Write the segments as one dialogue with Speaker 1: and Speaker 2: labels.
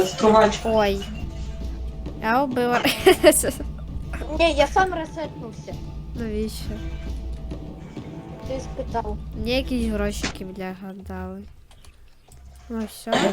Speaker 1: стругач.
Speaker 2: Ой. Я убила.
Speaker 3: Ні, я сам ресетнувся.
Speaker 2: Навіщо?
Speaker 3: Ти спитав.
Speaker 2: Мені якісь грошики, бляха, дали. Ну все.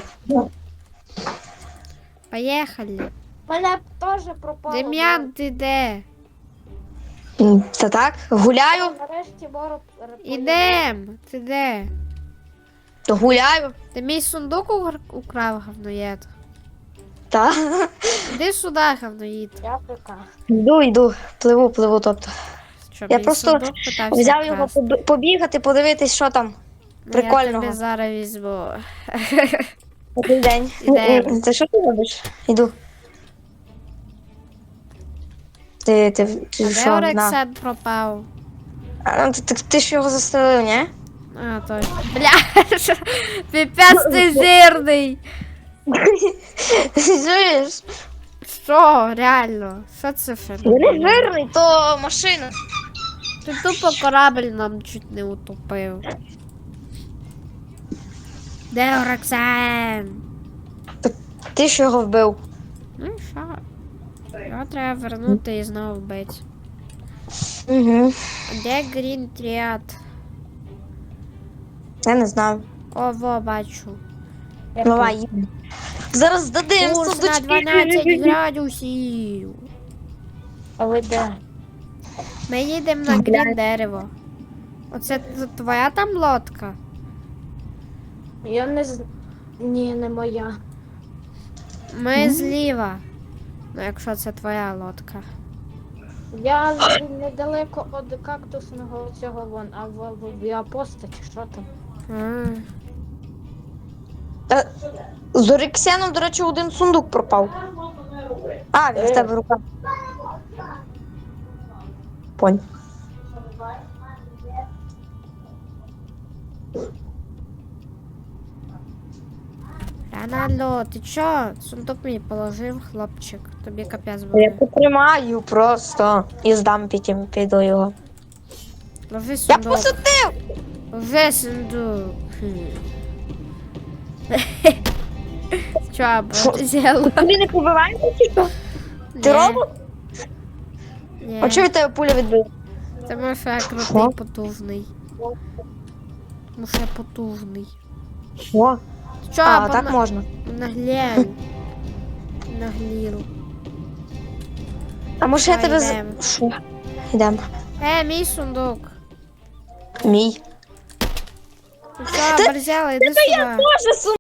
Speaker 2: Поїхали.
Speaker 3: Мене теж пропало.
Speaker 2: Дем'ян, ти де?
Speaker 4: Це так? Гуляю?
Speaker 3: Нарешті Боро
Speaker 2: Ідем. Ти де?
Speaker 4: Гуляю.
Speaker 2: Ти мій сундук украв, говноєд?
Speaker 4: Так.
Speaker 2: Іди сюди, говноїд.
Speaker 3: Я ПК.
Speaker 4: Йду. Пливу, тобто.
Speaker 2: Що,
Speaker 4: Я
Speaker 2: мій
Speaker 4: просто
Speaker 2: сундук питався
Speaker 4: взяв його
Speaker 2: вкрасти?
Speaker 4: побігати, подивитись, що там.
Speaker 2: Ну,
Speaker 4: Прикольного.
Speaker 2: Я тобі зараз візьму.
Speaker 4: Добрий день.
Speaker 2: Ідемо.
Speaker 4: Це що ти робиш? Іду. Ти
Speaker 2: А
Speaker 4: що?
Speaker 2: де
Speaker 4: На.
Speaker 2: Орексен пропав?
Speaker 4: Ти ж його застрелив, ні?
Speaker 2: А, точно. Бля, піпець ти жирний.
Speaker 4: Чуєш?
Speaker 2: Що, реально? Що це
Speaker 4: Я
Speaker 2: феномен?
Speaker 4: не жирний, то машина.
Speaker 2: Ти тупо корабль нам чуть не утопив. Де Орексен?
Speaker 4: Ти ж його вбив.
Speaker 2: Ну і що? Його треба вернути і знову вбити.
Speaker 4: Угу.
Speaker 2: А де Грін Тріад?
Speaker 4: Я не знаю.
Speaker 2: О, во, бачу.
Speaker 4: Давай, їдемо. Зараз здадим
Speaker 2: Курс на
Speaker 4: сундучки.
Speaker 2: 12 градусів.
Speaker 3: А ви де?
Speaker 2: Ми їдемо на Грін дерево. Оце твоя там лодка?
Speaker 3: Я не з... Ні, не моя.
Speaker 2: Ми зліва. Ну, якщо це твоя лодка.
Speaker 3: Я недалеко від кактусного цього вон, а в апоста чи що там?
Speaker 2: А.
Speaker 4: З Орексеном, до речі, один сундук пропав. А, він в тебе рука. Понь.
Speaker 2: Рональдо, ти чо? Сундук мені положив, хлопчик. Тобі капець
Speaker 4: Я
Speaker 2: буде.
Speaker 4: потримаю просто і здам потім, піду його.
Speaker 2: Ложи
Speaker 4: Я
Speaker 2: сундук.
Speaker 4: посадив!
Speaker 2: Ложи сундук. Чо, або зробила?
Speaker 4: Тобі не побиваєте чи що? Ти робот?
Speaker 2: Ні.
Speaker 4: А чого від тебе пуля відбила?
Speaker 2: Тому що я крутий,
Speaker 4: Що?
Speaker 2: потужний. Тому що я потужний.
Speaker 4: Що?
Speaker 2: Чо,
Speaker 4: А,
Speaker 2: або
Speaker 4: так можна.
Speaker 2: наглянь. Нагліру.
Speaker 4: А може я
Speaker 2: Давай,
Speaker 4: тебе
Speaker 2: йдемо.
Speaker 4: Що? Йдемо.
Speaker 2: Мій сундук.
Speaker 4: Мій.
Speaker 2: Ну що, борзяла, іди сюди.
Speaker 4: Боже,